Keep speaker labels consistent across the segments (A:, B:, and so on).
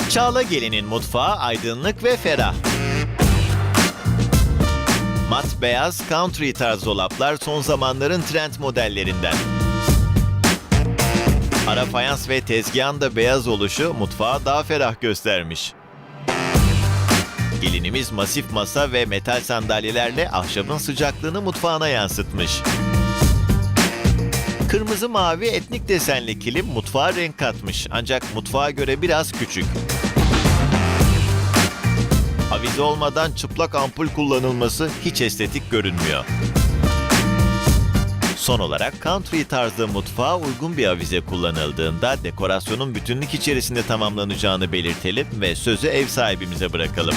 A: Çağla Gelin'in mutfağı aydınlık ve ferah. Mat beyaz country tarz dolaplar son zamanların trend modellerinden. Ara fayans ve tezgahın da beyaz oluşu mutfağı daha ferah göstermiş. Gelinimiz masif masa ve metal sandalyelerle ahşabın sıcaklığını mutfağına yansıtmış. Kırmızı mavi etnik desenli kilim mutfağa renk katmış ancak mutfağa göre biraz küçük. Avize olmadan çıplak ampul kullanılması hiç estetik görünmüyor. Son olarak country tarzı mutfağa uygun bir avize kullanıldığında dekorasyonun bütünlük içerisinde tamamlanacağını belirtelim ve sözü ev sahibimize bırakalım.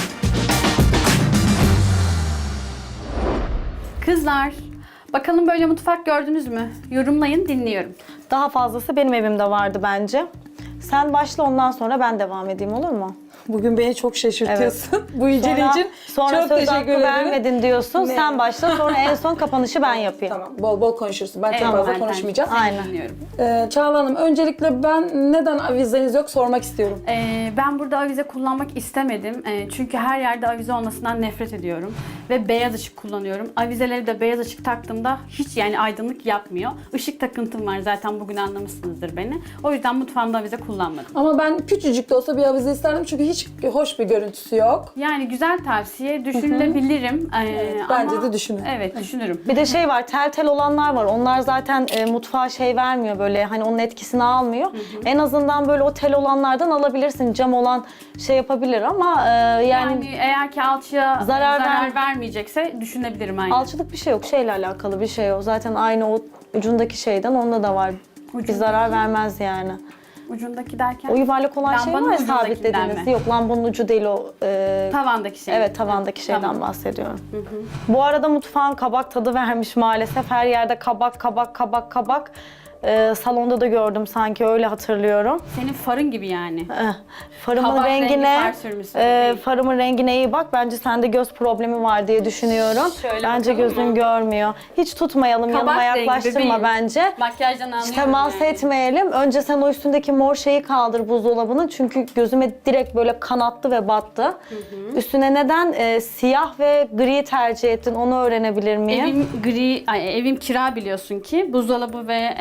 B: Kızlar, bakalım böyle mutfak gördünüz mü? Yorumlayın, dinliyorum.
C: Daha fazlası benim evimde vardı bence. Sen başla, ondan sonra ben devam edeyim, olur mu?
D: Bugün beni çok şaşırtıyorsun. Bu inceleyici için
C: Sonra
D: çok
C: söz
D: teşekkür
C: hakkı
D: ederim.
C: vermedin diyorsun.
D: Ne?
C: Sen başla, sonra en son kapanışı ben yapayım.
D: Tamam, bol bol konuşursun. Ben çok
B: Evet,
D: fazla
B: Meltem,
D: konuşmayacağım.
B: seni
C: Aynen.
B: dinliyorum.
D: Çağla Hanım, öncelikle ben neden avizeniz yok sormak istiyorum.
B: Ben burada avize kullanmak istemedim. Çünkü her yerde avize olmasından nefret ediyorum. Ve beyaz ışık kullanıyorum. Avizeleri de beyaz ışık taktığımda hiç yani aydınlık yapmıyor. Işık takıntım var zaten, bugün anlamışsınızdır beni. O yüzden mutfağımda avize kullanmadım.
D: Ama ben küçücük de olsa bir avize isterdim çünkü hiç hoş bir görüntüsü yok.
B: Yani güzel tavsiye, düşünülebilirim.
D: bence
B: ama-
D: de düşünün.
B: Evet, düşünürüm.
C: Bir de şey var, tel tel olanlar var. Onlar zaten mutfağa şey vermiyor, böyle hani onun etkisini almıyor. En azından böyle o tel olanlardan alabilirsin. Cam olan şey yapabilir ama yani
B: Yani eğer ki alçıya
C: Zarar
B: zarar vermeyecekse düşünebilirim aynı.
C: alçılık bir şey yok. Şeyle alakalı bir şey o. Zaten aynı o ucundaki şeyden onda da var. Bir
B: Ucundaki-
C: zarar vermez yani.
B: Ucundaki derken?
C: O yuvarlak olan şey
B: Lambanın
C: var ya,
B: ucundakinden
C: sabitlediğiniz.
B: mi?
C: Yok, lambanın ucu değil o.
B: Tavandaki şey.
C: Evet, tavandaki şeyden
B: Tamam.
C: bahsediyorum. Bu arada mutfağın kabak tadı vermiş maalesef. Her yerde kabak, kabak, kabak, kabak. Salonda da gördüm sanki, öyle hatırlıyorum.
B: Senin farın gibi yani.
C: Farımın
B: Kabak rengi
C: rengine,
B: far sürmüşsün.
C: farımın rengine iyi bak. Bence sende göz problemi var diye düşünüyorum.
B: Şöyle
C: Bence
B: bakalım
C: gözün
B: mı?
C: görmüyor. Hiç tutmayalım,
B: Kabak
C: yanıma
B: rengi
C: yaklaştırma
B: bebeğim.
C: bence.
B: Makyajdan anlıyorum
C: Hiç temas
B: yani.
C: etmeyelim. Önce sen o üstündeki mor şeyi kaldır buzdolabının. Çünkü gözüme direkt böyle kanattı ve battı. Üstüne neden siyah ve gri tercih ettin, onu öğrenebilir miyim?
B: Evim kira biliyorsun ki. Buzdolabı ve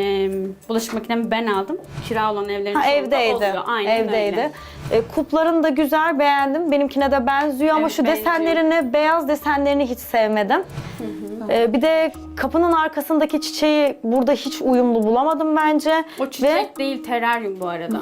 B: bulaşık makinemi ben aldım. Kira olan evlerin çoğunda
C: Evdeydi.
B: oluyor. Aynen
C: Evdeydi.
B: öyle.
C: Kupların da güzel, beğendim. Benimkine de benziyor ama
B: Evet,
C: şu
B: benziyor.
C: desenlerini, beyaz desenlerini hiç sevmedim. Bir de kapının arkasındaki çiçeği burada hiç uyumlu bulamadım bence.
B: O çiçek değil, teraryum bu arada.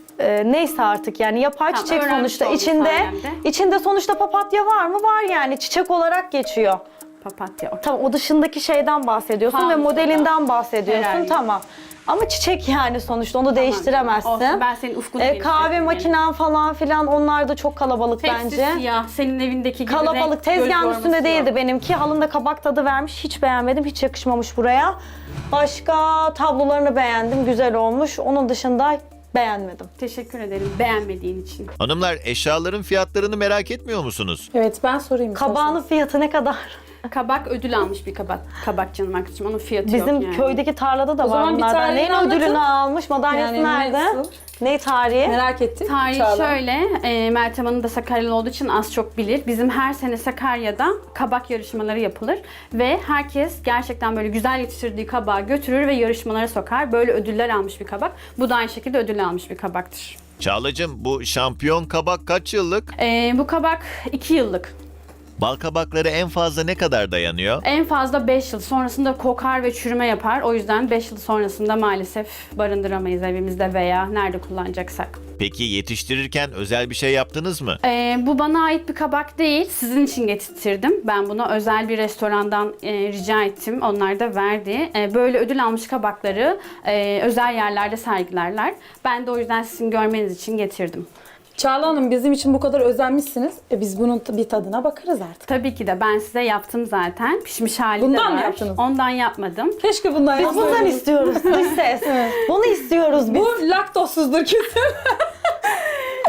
C: Neyse artık, yani yapay
B: Tamam,
C: çiçek
B: öğrenmiş
C: sonuçta.
B: olduk sayemde.
C: İçinde sonuçta papatya var mı? Var yani. Çiçek olarak geçiyor.
B: Papatya. okey.
C: Tamam, o dışındaki şeyden bahsediyorsun ve
B: Fanus
C: modelinden bahsediyorsun.
B: Teraryum.
C: Tamam. Ama çiçek yani sonuçta, onu değiştiremezsin.
B: Olsun, ben senin ufkunu
C: Kahve
B: genişlettim
C: makinen falan filan, onlar da çok kalabalık
B: yani. Hepsi
C: bence.
B: siyah. Senin evindeki gibi
C: Kalabalık.
B: renk,
C: Tezgahın
B: göz
C: üstünde
B: yorması
C: değildi
B: yok.
C: benimki. Halında kabak tadı vermiş. Hiç beğenmedim. Hiç yakışmamış buraya. Başka tablolarını beğendim. Güzel olmuş. Onun dışında beğenmedim.
B: Teşekkür ederim beğenmediğin için.
A: Hanımlar, eşyaların fiyatlarını merak etmiyor musunuz?
D: Evet, ben sorayım.
C: Kabağının fiyatı ne kadar?
B: Kabak ödül almış bir kabak canım arkadaşım. Onun fiyatı yok
C: Bizim
B: yani.
C: köydeki tarlada da
D: O
C: var
D: zaman bir
C: bunlardan.
D: tarihini
C: Neyin
D: anlatın.
C: ödülünü almış? Madalyası
D: Yani
C: nerede?
D: nasıl?
C: Ne tarihi?
D: Merak ettim.
B: Tarihi
D: Çağla.
B: şöyle, Meltem Hanım da Sakaryalı olduğu için az çok bilir. Bizim her sene Sakarya'da kabak yarışmaları yapılır. Ve herkes gerçekten böyle güzel yetiştirdiği kabağı götürür ve yarışmalara sokar. Böyle ödüller almış bir kabak. Bu da aynı şekilde ödül almış bir kabaktır.
A: Çağlacığım, bu şampiyon kabak kaç yıllık?
B: Bu kabak 2 yıllık.
A: Bal kabakları en fazla ne kadar dayanıyor?
B: En fazla 5 yıl. Sonrasında kokar ve çürüme yapar. O yüzden 5 yıl sonrasında maalesef barındıramayız evimizde veya nerede kullanacaksak.
A: Peki yetiştirirken özel bir şey yaptınız mı?
B: Bu bana ait bir kabak değil. Sizin için getirttirdim. Ben bunu özel bir restorandan rica ettim. Onlar da verdi. Böyle ödül almış kabakları özel yerlerde sergilerler. Ben de o yüzden sizin görmeniz için getirdim.
D: Çağla Hanım, bizim için bu kadar özenmişsiniz. Biz bunun bir tadına bakarız artık.
B: Tabii ki de ben size yaptım zaten. Pişmiş hali de
D: Bundan
B: var.
D: mı yaptınız?
B: Ondan yapmadım.
D: Keşke bundan
C: Biz bundan
D: yapsaydınız.
C: istiyoruz. Dış ses. Bunu istiyoruz biz.
D: Bu laktozsuzdur kesin.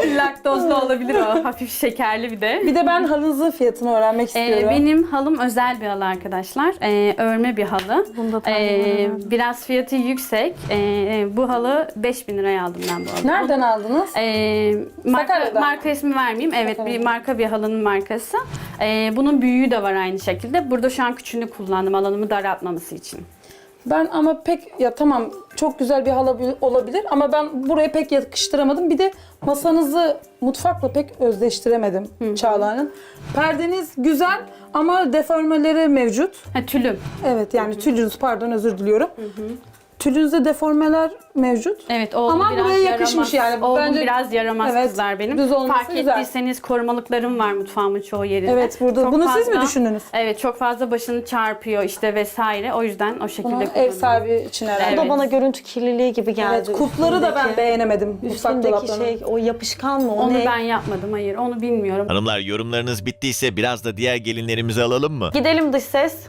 B: Laktozlu olabilir o. Hafif şekerli bir de.
D: Bir de ben halınızın fiyatını öğrenmek istiyorum.
B: Benim halım özel bir halı arkadaşlar. Örme bir halı.
C: Bunu da tahmin
B: Biraz fiyatı yüksek. Bu halı 5.000 liraya aldım ben bu halı.
D: Nereden aldınız? Sakarya'dan.
B: Marka ismi vermeyeyim. Evet,
D: Sakarya'dan.
B: bir marka, bir halının markası. Bunun büyüğü de var aynı şekilde. Burada şu an küçüğünü kullandım alanımı daraltmaması için.
D: Ben ama pek ya tamam çok güzel bir halı olabilir ama ben buraya pek yakıştıramadım. Bir de masanızı mutfakla pek özdeştiremedim Çağla'nın. Perdeniz güzel ama deformeleri mevcut.
B: Tülüm.
D: Evet yani tülünüz pardon özür diliyorum. Tülünüzde deformeler mevcut.
B: Evet, oğlum
D: Ama
B: biraz
D: buraya yakışmış
B: yaramaz.
D: yani.
B: Oğlum
D: Bence-
B: biraz yaramaz
D: Evet,
B: kızlar benim.
D: düz olması
B: Fark
D: güzel.
B: ettiyseniz korumalıklarım var mutfağımın çoğu yerinde.
D: Evet burada.
B: Çok
D: Bunu siz mi
B: fazla-
D: düşündünüz?
B: Evet, çok fazla başını çarpıyor işte vesaire. O yüzden o şekilde
D: Bunu ev
B: kullanıyorum.
D: sahibi için herhalde.
C: Bu da
B: Evet.
C: bana görüntü kirliliği gibi geldi.
D: Evet, kupları da ben
C: Üstündeki-
D: beğenemedim mutfak
C: Üstündeki
D: dolaplarının.
C: şey o yapışkan mı o
B: Onu
C: ne?
B: ben yapmadım, hayır. Onu bilmiyorum.
A: Hanımlar, yorumlarınız bittiyse biraz da diğer gelinlerimizi alalım mı?
C: Gidelim dış ses.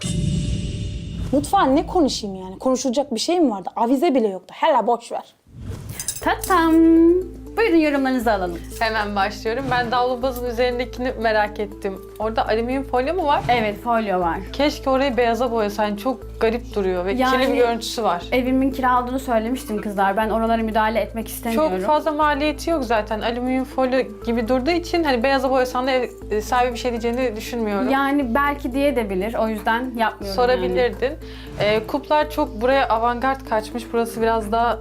D: Mutfağın ne konuşayım yani? Konuşulacak bir şey mi vardı? Avize bile yoktu. Hele boş ver.
B: Tatam. Buyurun yorumlarınızı alalım.
E: Hemen başlıyorum. Ben davlumbazın üzerindekini merak ettim. Orada alüminyum folyo mu var?
B: Evet, folyo var.
E: Keşke orayı beyaza boyasaydın. Çok garip duruyor ve
B: Yani-
E: kirli bir görüntüsü var.
B: Evimin kira aldığını söylemiştim kızlar. Ben oralara müdahale etmek istemiyorum.
E: Çok fazla maliyeti yok zaten. Alüminyum folyo gibi durduğu için hani beyaza boyasan da ev sahibi bir şey diyeceğini düşünmüyorum.
B: Yani belki diye de bilir. O yüzden yapmıyorum yani.
E: Sorabilirdin. Kuplar çok buraya avantgard kaçmış. Burası biraz daha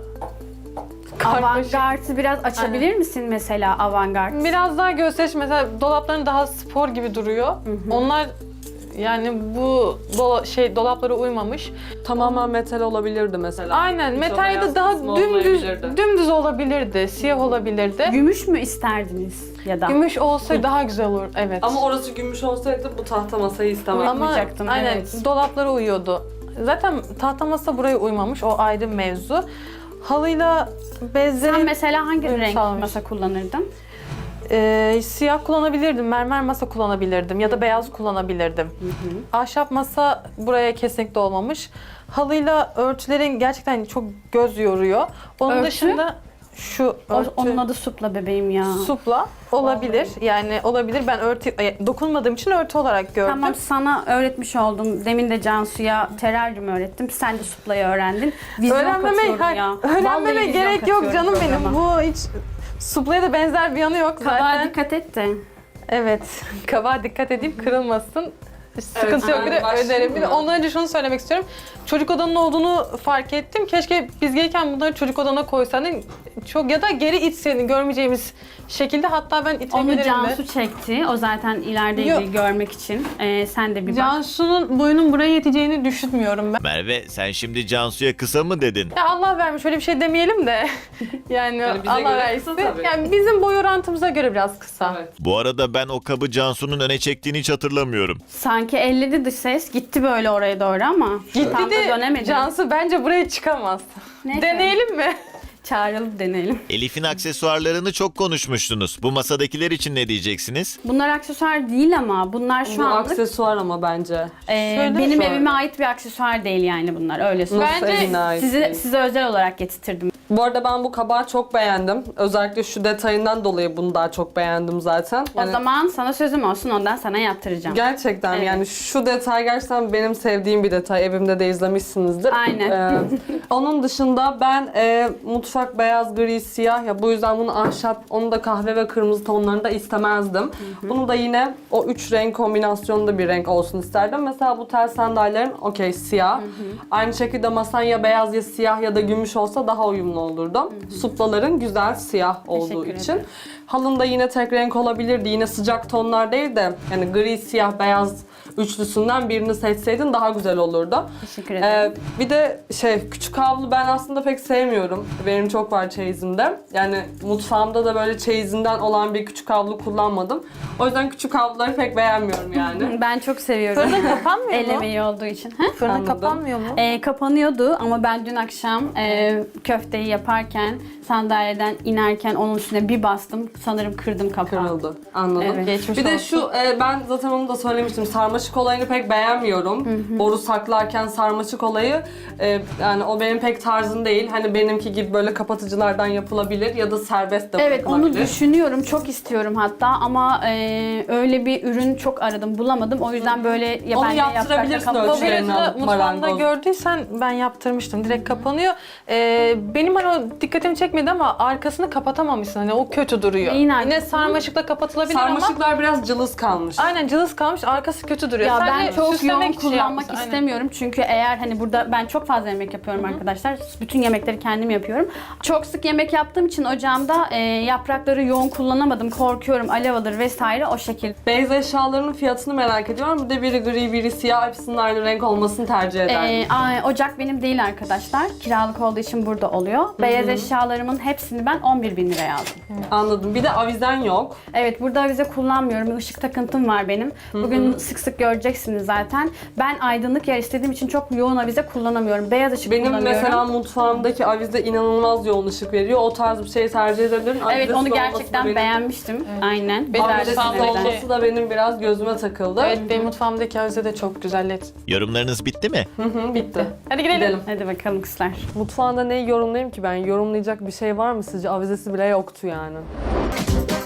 E: karmaşık.
B: Avantgard'ı biraz açabilir misin mesela avantgard?
E: Biraz daha gösteriş, mesela dolapların daha spor gibi duruyor. Onlar yani bu dolaplara uymamış.
F: Tamamen metal olabilirdi mesela.
E: Aynen,
F: Hiç o
E: metal ya da
F: beyaz
E: daha
F: kısmı
E: dümdüz
F: olmayabilirdi.
E: dümdüz olabilirdi, siyah olabilirdi.
B: Gümüş mü isterdiniz ya da?
E: Gümüş olsaydı daha güzel olur, evet.
F: Ama orası gümüş olsaydı bu tahta masayı istemem.
E: Ama
B: Yapmayacaktım,
E: aynen
B: evet.
E: dolaplara uyuyordu. Zaten tahta masa buraya uymamış, o ayrı mevzu. Halıyla bezlerin
B: Sen mesela hangi
E: uyum
B: renk
E: sağlamış.
B: masa kullanırdın?
E: Siyah kullanabilirdim, mermer masa kullanabilirdim ya da beyaz kullanabilirdim. Ahşap masa buraya kesinlikle olmamış. Halıyla örtülerin gerçekten çok göz yoruyor. Onun
B: Örtü?
E: dışında şu örtü,
B: Onun adı supla bebeğim ya.
E: supla olabilir. Yani olabilir. Ben dokunmadığım için örtü olarak gördüm.
B: Tamam, sana öğretmiş oldum. Demin de Cansu'ya teraryum öğrettim. Sen de suplayı öğrendin. Vizyon katıyorum ya.
E: Öğrenmeme
B: Vallahi
E: gerek
B: vizyon
E: yok
B: katıyorum
E: canım benim.
B: programa.
E: Bu hiç suplaya da benzer bir yanı yok
B: Kabağa
E: zaten.
B: dikkat et de.
E: Evet. Kabağa dikkat edeyim, kırılmasın. Sıkıntı yok. Bir de
F: başlayayım
E: öderim. Bir de
F: mı?
E: ondan önce şunu söylemek istiyorum. Çocuk odanın olduğunu fark ettim. Keşke biz gelirken bunları çocuk odana koysaydın. Çok ya da geri itseydin görmeyeceğimiz şekilde. Hatta ben
B: Onu
E: itebilirim de.
B: Cansu çekti. O zaten ileride
E: Yok.
B: görmek için. Sen de bir bak.
E: Cansu'nun boyunun buraya yeteceğini düşünmüyorum ben.
A: Merve, sen şimdi Cansu'ya kısa mı dedin?
E: Ya Allah vermiş, öyle bir şey demeyelim de. Yani
F: Yani bize
E: Allah
F: göre
E: versin.
F: kısa tabii.
E: Yani bizim boy orantımıza göre biraz kısa.
F: Evet.
A: Bu arada ben o kabı Cansu'nun öne çektiğini hiç hatırlamıyorum.
B: Sanki elledi dış ses. Gitti böyle oraya doğru ama. Tam da
E: Bir de
B: dönemedi.
E: Cansu bence buraya çıkamaz.
B: Neyse.
E: Deneyelim mi?
B: Çağıralım, deneyelim.
A: Elif'in aksesuarlarını çok konuşmuştunuz. Bu masadakiler için ne diyeceksiniz?
B: Bunlar aksesuar değil ama bunlar şu
F: Bu
B: anlık
F: aksesuar ama bence.
B: benim
F: şu an.
B: evime ait bir aksesuar değil yani bunlar, öyle söyleyeyim.
F: Nasıl
E: Bence
F: evine ait değil?
B: Size özel olarak getirtirdim.
F: Bu arada ben bu kabağı çok beğendim. Özellikle şu detayından dolayı bunu daha çok beğendim zaten.
B: O zaman sana sözüm olsun, ondan sana yaptıracağım.
F: Gerçekten
B: Evet.
F: yani şu detay gerçekten benim sevdiğim bir detay. Evimde de izlemişsinizdir.
B: Aynen.
F: Onun dışında ben mutfak beyaz, gri, siyah ya bu yüzden bunu ahşap, onu da kahve ve kırmızı tonlarında istemezdim. Bunu da yine o üç renk kombinasyonunda bir renk olsun isterdim. Mesela bu tel sandalyelerin okey siyah. Aynı şekilde masan ya beyaz ya siyah ya da gümüş olsa daha uyumlu olurdu. Suplaların güzel siyah olduğu
B: Teşekkür
F: için.
B: ederim.
F: Halın da yine tek renk olabilirdi. Yine sıcak tonlar değil de yani gri, siyah, beyaz üçlüsünden birini seçseydin daha güzel olurdu.
B: Teşekkür ederim.
F: Bir de küçük havlu ben aslında pek sevmiyorum. Benim çok var çeyizimde. Yani mutfağımda da böyle çeyizinden olan bir küçük havlu kullanmadım. O yüzden küçük havluları pek beğenmiyorum yani.
B: Ben çok seviyorum.
E: Fırın kapanmıyor
B: El
E: mu?
B: emeği olduğu için.
E: Fırın
F: Anladım.
E: kapanmıyor mu?
B: Kapanıyordu ama ben dün akşam köfteyi sandalyeyi yaparken, sandalyeden inerken onun üstüne bir bastım. Sanırım kırdım kapağı.
F: Kırıldı. Anladım.
B: Evet.
E: Geçmiş
F: Bir de
E: olsun.
F: şu, ben zaten onu da söylemiştim. Sarmaşık olayını pek beğenmiyorum. Boru saklarken sarmaşık olayı, yani o benim pek tarzım değil. Hani benimki gibi böyle kapatıcılardan yapılabilir ya da serbest de
B: Evet, onu
F: bırakılabilir.
B: düşünüyorum. Çok istiyorum hatta ama öyle bir ürün çok aradım, bulamadım. O yüzden böyle ya
F: Onu
B: ben de
F: yaptırabilirsin
B: yaprakla
F: ölçülerini
B: kapatırım.
F: alıp
E: Bagajı mutfağımda
F: marangoz.
E: gördüysen ben yaptırmıştım. Direkt kapanıyor. Benim hani o dikkatimi çekmedi ama arkasını kapatamamışsın. Hani o kötü duruyor.
B: Neyin
E: Yine
B: arkasını?
E: sarmaşıkla kapatılabilir ama
F: Sarmaşıklar biraz cılız kalmış.
E: aynen cılız kalmış. Arkası kötü duruyor.
B: Ya ben
E: Sadece
B: çok yoğun
E: süslemek için
B: kullanmak
E: yapmışsın, aynen.
B: istemiyorum. Çünkü eğer hani burada ben çok fazla yemek yapıyorum arkadaşlar. Bütün yemekleri kendim yapıyorum. Çok sık yemek yaptığım için ocağımda yaprakları yoğun kullanamadım. Korkuyorum alev alır vesaire o şekilde.
F: Beyaz eşyalarının fiyatını merak ediyorum. Bir de biri gri, biri siyah. Hepsinin aynı renk olmasını tercih ederim.
B: Ocak benim değil arkadaşlar. Kiralık olduğu için burada oluyor. Beyaz eşyalarımın hepsini ben 11.000 liraya aldım.
F: Anladım. Bir de avizen yok.
B: Evet, burada avize kullanmıyorum. Işık takıntım var benim. Bugün sık sık göreceksiniz zaten. Ben aydınlık yer istediğim için çok yoğun avize kullanamıyorum. Beyaz ışık
F: Benim
B: kullanıyorum.
F: mesela mutfağımdaki avize inanılmaz yoğun ışık veriyor. O tarz bir şey tercih edebilirim.
B: Evet,
F: Avizesiz
B: onu
F: olması da
B: gerçekten
F: benim-
B: beğenmiştim. Aynen.
E: Benim
F: Avizesiz
E: mutfağımdaki-
F: olması da benim biraz gözüme takıldı.
E: Evet, benim mutfağımdaki avize de çok güzel. LED.
A: Yorumlarınız bitti mi?
F: Bitti.
E: Hadi gidelim.
B: Hadi bakalım kızlar.
F: Mutfağında neyi yorumlayayım ki ben? Yorumlayacak bir şey var mı sizce? Avizesi bile yoktu yani.